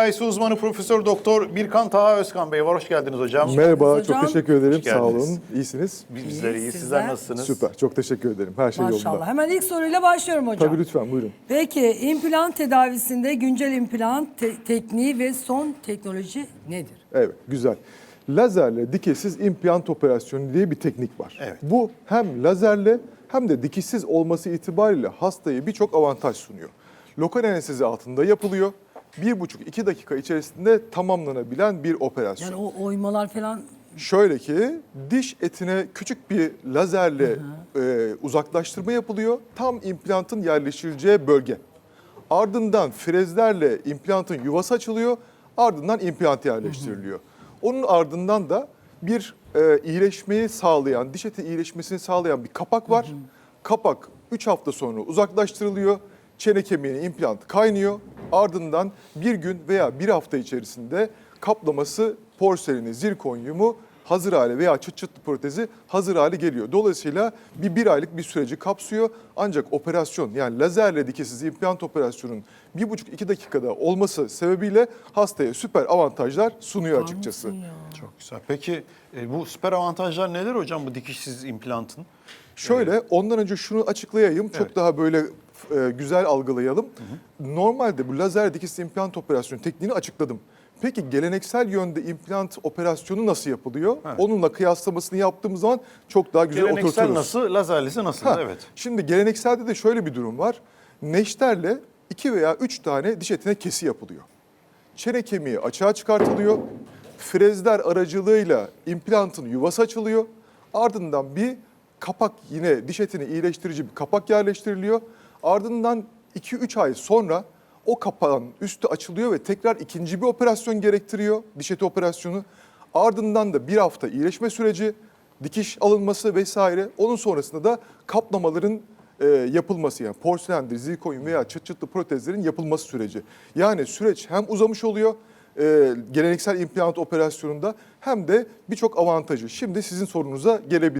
cerrahisi uzmanı Profesör Doktor Birkan Taha Özkan Bey var. Hoş geldiniz hocam. Merhaba, hocam. çok teşekkür ederim. Hoş Sağ geldiniz. olun. İyisiniz. Bizler iyi. Sizler Sizler? nasılsınız? Süper. Çok teşekkür ederim. Her şey Maşallah. yolunda. Hemen ilk soruyla başlıyorum hocam. Tabii lütfen buyurun. Peki implant tedavisinde güncel implant tekniği ve son teknoloji nedir? Evet, güzel. Lazerle dikişsiz implant operasyonu diye bir teknik var. Evet. Bu hem lazerle hem de dikişsiz olması itibariyle hastaya birçok avantaj sunuyor. Lokal anestezi altında yapılıyor. 1,5-2 dakika içerisinde tamamlanabilen bir operasyon. Yani o oymalar falan Şöyle ki diş etine küçük bir lazerle uzaklaştırma yapılıyor. Tam implantın yerleştirileceği bölge. Ardından frezlerle implantın yuvası açılıyor. Ardından implant yerleştiriliyor. Onun ardından da bir iyileşmeyi sağlayan, diş eti iyileşmesini sağlayan bir kapak var. Kapak 3 hafta sonra uzaklaştırılıyor. Çene kemiğine implant kaynıyor. Ardından bir gün veya bir hafta içerisinde kaplaması, porseleni, zirkonyumu hazır hale veya çıt çıtlı protezi hazır hale geliyor. Dolayısıyla bir aylık bir süreci kapsıyor. Ancak operasyon yani lazerle dikişsiz implant operasyonun 1,5-2 dakikada olması sebebiyle hastaya süper avantajlar sunuyor açıkçası. Çok güzel. Peki bu süper avantajlar neler hocam bu dikişsiz implantın? Şöyle ondan önce şunu açıklayayım. Çok Evet. daha böyle güzel algılayalım. Normalde bu lazer dikişsiz implant operasyonu tekniğini açıkladım. Peki geleneksel yönde implant operasyonu nasıl yapılıyor? Evet. Onunla kıyaslamasını yaptığımız zaman çok daha güzel Geleneksel oturturuz. nasıl, lazerlisi nasıl? Ha, Evet. Şimdi gelenekselde de şöyle bir durum var. Neşterle 2 veya 3 tane diş etine kesi yapılıyor. Çene kemiği açığa çıkartılıyor. Frezler aracılığıyla implantın yuvası açılıyor. Ardından bir kapak yine diş etini iyileştirici bir kapak yerleştiriliyor. Ardından 2-3 ay sonra o kapağın üstü açılıyor ve tekrar ikinci bir operasyon gerektiriyor. Diş eti operasyonu. Ardından da bir hafta iyileşme süreci, dikiş alınması vesaire. Onun sonrasında da kaplamaların yapılması yani porselendir, zirkonyum veya çıt çıtlı protezlerin yapılması süreci. Yani süreç hem uzamış oluyor geleneksel implant operasyonunda hem de birçok avantajı. Şimdi sizin sorunuza gelebilir.